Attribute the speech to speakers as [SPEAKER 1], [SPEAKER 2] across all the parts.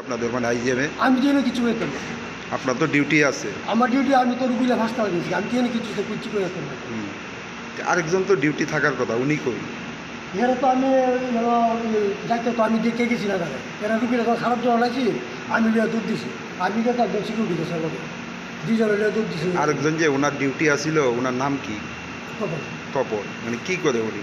[SPEAKER 1] আপনাদের মানে আইজিএমে?
[SPEAKER 2] আমি তো কিছু করতাম না।
[SPEAKER 1] আপনার তো ডিউটি আছে।
[SPEAKER 2] আমার ডিউটি, আমি তো রুগীরা হাসপাতালে গেছি, আমি তো কিছু করতাম না।
[SPEAKER 1] আরেকজন তো ডিউটি থাকার কথা, উনি কই?
[SPEAKER 2] এরা তো আমি যাইতে তো আমি দেখে গেছি না তারা, এরা রুগীরা তো খারাপ জল আছি, আমি লিয়া দুধ দিছি, আমি তো একজন সিকিউরিটি গেছে আমাকে, দুইজন লিয়া দুধ দিছি।
[SPEAKER 1] আরেকজন যে ওনার ডিউটি আছিল, ওনার নাম কি? তপন। মানে কি করে উনি?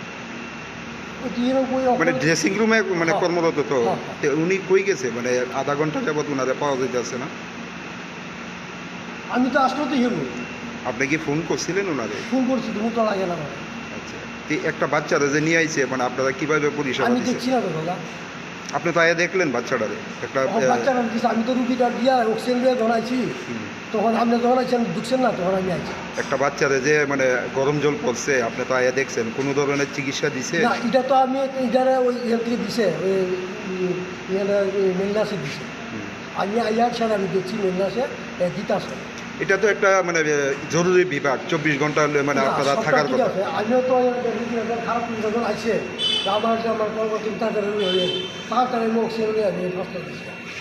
[SPEAKER 1] মানে ড্রেসিং রুমে মানে কর্মরত তো? উনি কই গেছে? মানে আধা ঘন্টা যাবত ওনারে পাওয়া যাইতেছে না।
[SPEAKER 2] আমি তো আসলে তো হেরবো।
[SPEAKER 1] আপনি কি ফোন করছিলেন ওনারে?
[SPEAKER 2] ফোন করছি, ফোন তো লাগে না আমার।
[SPEAKER 1] আচ্ছা, একটা বাচ্চারা যে নিয়ে আইছে, মানে আপনারা কিভাবে পরিষেবা
[SPEAKER 2] আমি
[SPEAKER 1] দিচ্ছেন?
[SPEAKER 2] দেখছি না তো দাদা।
[SPEAKER 1] আপনি তো আয়া দেখলেন বাচ্চাটারে? একটা
[SPEAKER 2] বাচ্চারা দিচ্ছে, আমি তো রুগীটা দিয়া অক্সিজেন দিয়ে ধরাইছি, তখন আপনি যখন আইছেন ঢুকছেন না, তখন আমি আইছি।
[SPEAKER 1] একটা বাচ্চারে যে মানে গরম জল পড়ছে, আপনি তো আয়া দেখছেন, কোনো ধরনের চিকিৎসা দিছে?
[SPEAKER 2] না, এটা তো আমি এটারে ওই ইয়ে থেকে দিছে, ওই মেলনাসে দিছে। আমি আইয়ার স্যার আমি দেখছি মেলনাসে দিতাছে।
[SPEAKER 1] এটা তো একটা মানে জরুরি বিভাগ, 24 ঘন্টা মানে আপনারা থাকার কথা।
[SPEAKER 2] আমিও তো খারাপ যখন আইসে আমার কর্মচারী তাড়াতাড়ি আমি অক্সিজেন নিয়ে আমি ফার্স্টে দিচ্ছি।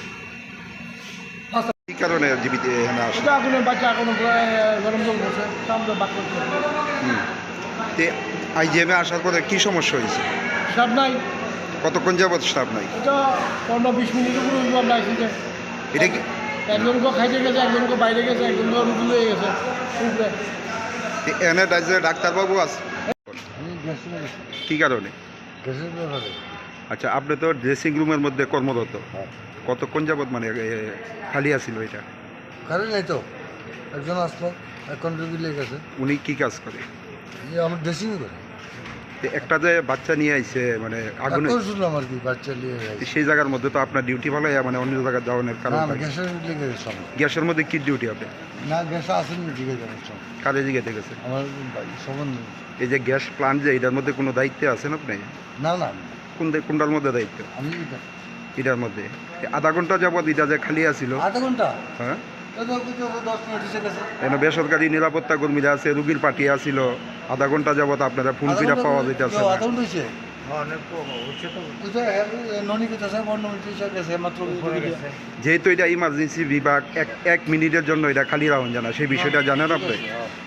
[SPEAKER 1] কি কারণে জীবিত এখানে আসে?
[SPEAKER 2] কোনো বাচ্চা কোনো গরম জল বসে আমরা বাদ করতে
[SPEAKER 1] আইজিএমে আসার পরে কি সমস্যা হয়েছে?
[SPEAKER 2] সব নাই।
[SPEAKER 1] কতক্ষণ যাবত স্টাফ নাই?
[SPEAKER 2] এটা 15-20 মিনিটের উপরে আমরা আইসি যে
[SPEAKER 1] এটা কি
[SPEAKER 2] একজনকে খাইতে গেছে, একজনকে বাইরে গেছে, একজনকে রুগী হয়ে গেছে।
[SPEAKER 1] এনে ডাক্তারবাবু আছে? কি কারণে? আচ্ছা, আপনি তো ড্রেসিং রুমের মধ্যে কর্মরত, কতক্ষণ যাবত মানে খালি আছিল এটা?
[SPEAKER 2] খালি নাই তো, একজন আসলো, এখন রুগী লেগে গেছে।
[SPEAKER 1] উনি কি কাজ করে?
[SPEAKER 2] আমার ড্রেসিং করে।
[SPEAKER 1] একটা যে বাচ্চা নিয়ে আইছে মানে আগুনে,
[SPEAKER 2] শুনলাম আর কি, বাচ্চা নিয়ে
[SPEAKER 1] সেই জায়গার মধ্যে তো আপনার ডিউটি ভালো, মানে অন্য জায়গায় যাওয়ার কারণ?
[SPEAKER 2] গ্যাসের লেগে গেছে।
[SPEAKER 1] গ্যাসের মধ্যে কি ডিউটি হবে?
[SPEAKER 2] না, গ্যাস আসেনি, জিজ্ঞেস করছেন
[SPEAKER 1] কাজে জিজ্ঞেতে গেছে?
[SPEAKER 2] আমার সম্বন্ধে।
[SPEAKER 1] এই যে গ্যাস প্লান্ট যে, এটার মধ্যে কোনো দায়িত্বে আছেন আপনি?
[SPEAKER 2] না না,
[SPEAKER 1] কোনটার মধ্যে দায়িত্ব?
[SPEAKER 2] আমি
[SPEAKER 1] এটার মধ্যে আধা ঘন্টা যাবত এটা যে খালি আছিল?
[SPEAKER 2] আধা ঘন্টা?
[SPEAKER 1] হ্যাঁ,
[SPEAKER 2] 10 মিনিট এসে গেছে।
[SPEAKER 1] এখানে বেসরকারি নিরাপত্তা কর্মীরা আছে, রুগীর পার্টি আসিল, আধা ঘন্টা যাবত আপনারা ফোন ফিরা পাওয়া যাইতেছে?
[SPEAKER 2] আধা ঘন্টা হয়েছে।
[SPEAKER 1] যেহেতু এটা ইমার্জেন্সি বিভাগ, এক মিনিটের জন্য এটা খালি রাখুন জানা, সেই বিষয়টা জানেন আপনি?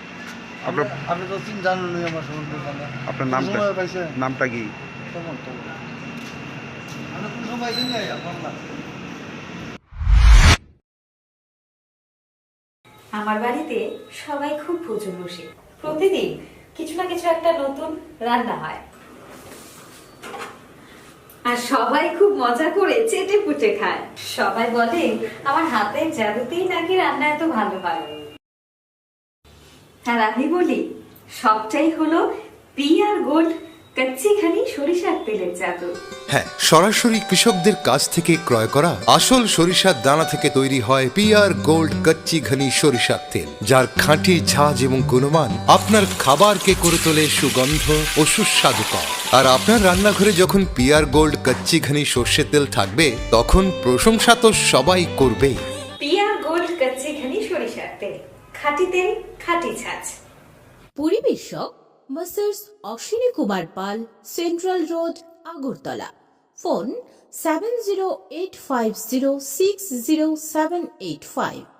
[SPEAKER 1] আপনার নামটা কি?
[SPEAKER 3] আমার বাড়িতে সবাই খুব ভোজন বসে, প্রতিদিন কিছু না কিছু একটা নতুন রান্না হয়, আর সবাই খুব মজা করে চেটে পুটে খায়। সবাই বলে আমার হাতের জাদুতেই নাকি রান্না এত ভালো হয়। আর আমি বলি সবটাই হলো পিআর গোল্ড কচ্চিঘানি সরিষার তেলের জাদু।
[SPEAKER 4] হ্যাঁ, সরাসরি কৃষকদের কাছ থেকে ক্রয় করা আসল সরিষার দানা থেকে তৈরি হয় পিআর গোল্ড কচ্চি ঘনি সরিষার তেল, যার খাঁটি ঝাঁজ এবং গুণমান আপনার খাবারকে করে তোলে সুগন্ধ ও সুস্বাদুকর। আর আপনার রান্নাঘরে যখন পিআর গোল্ড কচ্চি ঘনি সর্ষের তেল থাকবে, তখন প্রশংসা তো সবাই করবেই।
[SPEAKER 3] পিআর গোল্ড কচ্চিঘানি সরিষার তেল, খাঁটি তেল, খাঁটি ছাঁচ।
[SPEAKER 5] পরিবেশক masters Ashwini Kumar Pal, central road, Agartala. Phone 7085060785।